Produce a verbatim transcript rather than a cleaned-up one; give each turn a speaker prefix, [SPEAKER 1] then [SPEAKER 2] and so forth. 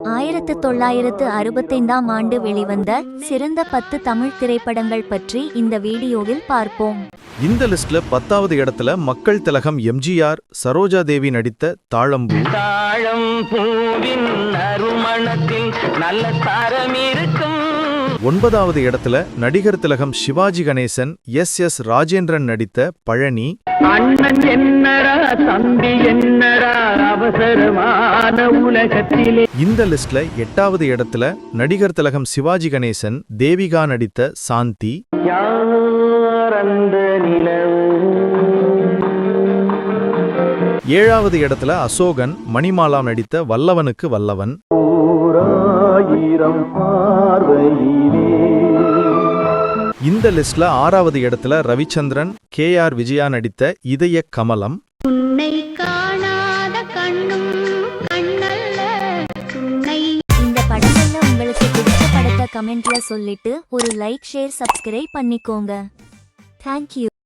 [SPEAKER 1] ஆயிரத்து தொள்ளாயிரத்து அறுபத்தைந்தாம் ஆண்டு வெளிவந்த சிறந்த பத்து தமிழ் திரைப்படங்கள் பற்றி இந்த வீடியோவில் பார்ப்போம்.
[SPEAKER 2] இந்த லிஸ்ட்ல பத்தாவது இடத்துல மக்கள் திலகம் எம்ஜிஆர் சரோஜா தேவி நடித்த தாழம்பூ.
[SPEAKER 3] தாழம்பூவின் நறுமணத்தில் நல்ல சாரம் இருக்கும்.
[SPEAKER 2] ஒன்பதாவது இடத்துல நடிகர் திலகம் சிவாஜி கணேசன் எஸ் எஸ் ராஜேந்திரன் நடித்த பழனி.
[SPEAKER 3] அண்ணன் என்னடா தம்பி என்னடா அவசரமான உலகத்திலே.
[SPEAKER 2] இந்த லிஸ்ட்ல எட்டாவது இடத்துல நடிகர் திலகம் சிவாஜி கணேசன் தேவிகா நடித்த சாந்தி.
[SPEAKER 3] யார் அந்த நிலவு.
[SPEAKER 2] ஏழாவது இடத்துல அசோகன் மணிமாலா நடித்த வல்லவனுக்கு வல்லவன். இந்த லிஸ்ட்ல ஆறாவது இடத்துல ரவிச்சந்திரன் கே ஆர் விஜயா நடித்த இதய கமலம்.
[SPEAKER 1] இந்த படங்கள்ல உங்களுக்கு பிடிச்ச படத்தை கமெண்ட்ல சொல்லிட்டு ஒரு லைக் ஷேர் சப்ஸ்கிரைப் பண்ணிக்கோங்க. தேங்க்யூ.